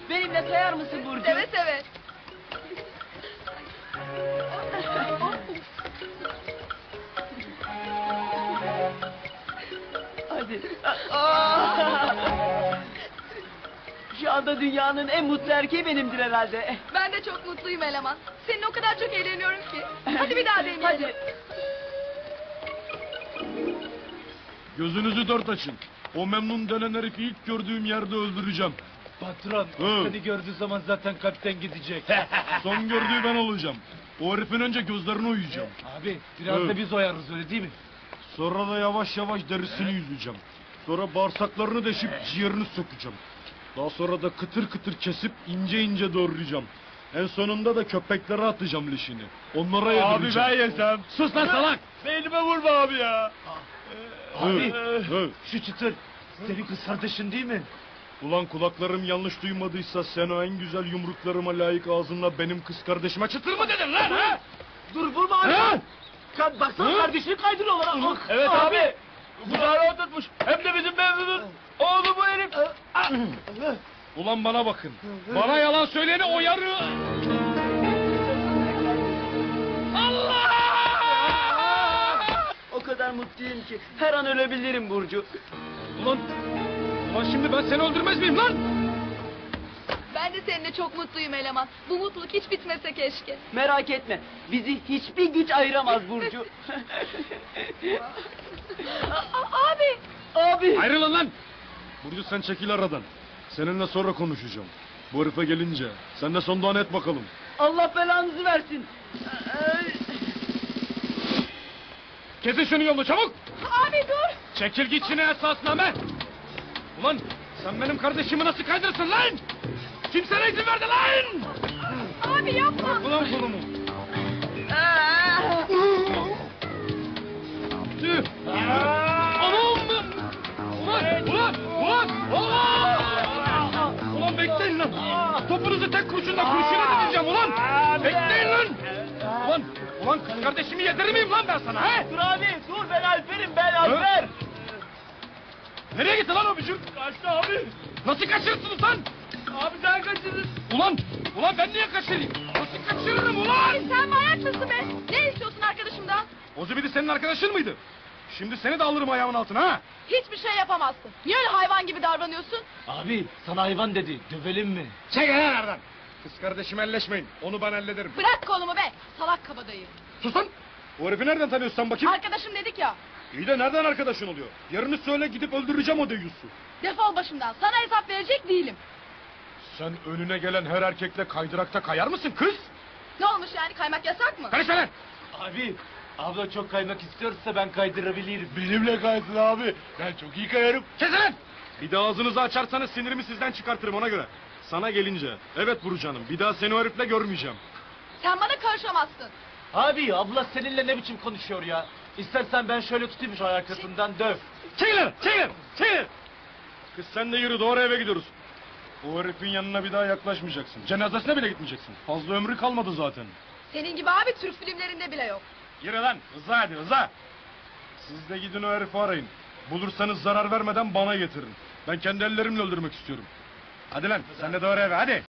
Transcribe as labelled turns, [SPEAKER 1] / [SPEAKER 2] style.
[SPEAKER 1] Benimle kayar mısın Burcu?
[SPEAKER 2] Seve seve.
[SPEAKER 1] Hadi. Şu anda dünyanın en mutlu erkeği benimdir herhalde.
[SPEAKER 2] Ben de çok mutluyum eleman. Seninle o kadar çok eğleniyorum ki. Hadi bir daha deneyelim.
[SPEAKER 1] Hadi.
[SPEAKER 3] Gözünüzü dört açın. O memnun denen herifi ilk gördüğüm yerde öldüreceğim.
[SPEAKER 4] Patron,
[SPEAKER 3] Hı.
[SPEAKER 4] seni gördüğü zaman zaten kalpten gidecek.
[SPEAKER 3] Son gördüğü ben olacağım. O herifin önce gözlerini oyacağım.
[SPEAKER 4] Abi, biraz
[SPEAKER 3] Hı.
[SPEAKER 4] da biz oyarız öyle değil mi?
[SPEAKER 3] Sonra da yavaş yavaş derisini yüzeceğim. Sonra bağırsaklarını deşip ciğerini sökeceğim. Daha sonra da kıtır kıtır kesip ince ince doğrayacağım. En sonunda da köpeklere atacağım leşini. Onlara yedireceğim.
[SPEAKER 4] Abi ben yesem.
[SPEAKER 3] Sus lan salak!
[SPEAKER 4] Beynime vurma abi ya. Abi,
[SPEAKER 3] Hı.
[SPEAKER 4] şu çıtır, senin kız kardeşin değil mi?
[SPEAKER 3] Ulan kulaklarım yanlış duymadıysa sen o en güzel yumruklarıma layık ağzınla benim kız kardeşime çıtır mı dedin lan ha?
[SPEAKER 1] Dur vurma abi.
[SPEAKER 3] Ha?
[SPEAKER 1] Baksana
[SPEAKER 3] Hı?
[SPEAKER 1] kardeşini kaydırıyorlar. Ah,
[SPEAKER 4] Evet
[SPEAKER 1] ah.
[SPEAKER 4] abi. Bunları oturtmuş. Hem de bizim memnunun oğlu bu herif.
[SPEAKER 3] Ulan bana bakın. Bana yalan söyleyeni oyarı. Allah!
[SPEAKER 1] O kadar mutluyum ki her an ölebilirim Burcu.
[SPEAKER 3] Ulan şimdi ben seni öldürmez miyim lan?
[SPEAKER 2] Ben de seninle çok mutluyum eleman. Bu mutluluk hiç bitmese keşke.
[SPEAKER 1] Merak etme. Bizi hiçbir güç ayıramaz Burcu.
[SPEAKER 2] Abi.
[SPEAKER 1] Abi.
[SPEAKER 3] Ayrılın lan! Burcu sen çekil aradan. Seninle sonra konuşacağım. Bu herife gelince sen de son duanı et bakalım.
[SPEAKER 1] Allah belanızı versin.
[SPEAKER 3] Kesin şunu yolunu çabuk!
[SPEAKER 2] Abi dur.
[SPEAKER 3] Çekil git şimdi esasname! Ulan sen benim kardeşimi nasıl kaydırsın lan? Kim sana izin verdi lan?
[SPEAKER 2] Abi yapma.
[SPEAKER 3] Ulan kolumu! Tüh! Anam! Ulan bekleyin lan! Topunuzu tek kurşunla kurşuna dikeceğim ulan! Bekleyin lan! Ulan kız kardeşimi yedirir miyim lan ben sana he?
[SPEAKER 1] Dur abi dur ben Alper'im ben Alper.
[SPEAKER 3] Nereye gitti lan o bücür?
[SPEAKER 4] Kaçtı abi.
[SPEAKER 3] Nasıl kaçırırsınız lan?
[SPEAKER 4] Abi sen kaçırdın.
[SPEAKER 3] Ulan ben niye kaçırayım? Nasıl kaçırırım ulan?
[SPEAKER 2] Sen manyak mısın be? Ne istiyorsun arkadaşımdan?
[SPEAKER 3] O zibidi senin arkadaşın mıydı? Şimdi seni de alırım ayağımın altına ha?
[SPEAKER 2] Hiçbir şey yapamazsın. Niye öyle hayvan gibi davranıyorsun?
[SPEAKER 4] Abi, sana hayvan dedi. Dövelim mi?
[SPEAKER 3] Çekil lan oradan! Kız kardeşim elleşmeyin. Onu ben hallederim.
[SPEAKER 2] Bırak kolumu be. Salak kabadayı.
[SPEAKER 3] Sus lan! O herifi nereden tanıyorsun sen bakayım?
[SPEAKER 2] Arkadaşım dedik ya.
[SPEAKER 3] İyi de nereden arkadaşın oluyor? Yarını söyle gidip öldüreceğim o deyyusu.
[SPEAKER 2] Defol başımdan. Sana hesap verecek değilim.
[SPEAKER 3] Sen önüne gelen her erkekle kaydırakta kayar mısın kız?
[SPEAKER 2] Ne olmuş yani, kaymak yasak mı?
[SPEAKER 3] Karışma lan!
[SPEAKER 4] Abi, abla çok kaymak istiyorsa ben kaydırabilirim. Benimle kaysın abi. Ben çok iyi kayarım.
[SPEAKER 3] Kesin lan! Bir daha ağzınızı açarsanız sinirimi sizden çıkartırım ona göre. Sana gelince, evet Burcu Hanım, bir daha seni o herifle görmeyeceğim.
[SPEAKER 2] Sen bana karışamazsın.
[SPEAKER 4] Abi, abla seninle ne biçim konuşuyor ya? İstersen ben şöyle tutayım şu arkasından döv.
[SPEAKER 3] Çekil! Kız sen de yürü, doğru eve gidiyoruz. O herifin yanına bir daha yaklaşmayacaksın. Cenazesine bile gitmeyeceksin. Fazla ömrü kalmadı zaten.
[SPEAKER 2] Senin gibi abi Türk filmlerinde bile yok.
[SPEAKER 3] Yürü lan, hızlı hadi, hızlı! Siz de gidin o herifi arayın. Bulursanız zarar vermeden bana getirin. Ben kendi ellerimle öldürmek istiyorum. Hadi lan, sen de doğru eve, hadi!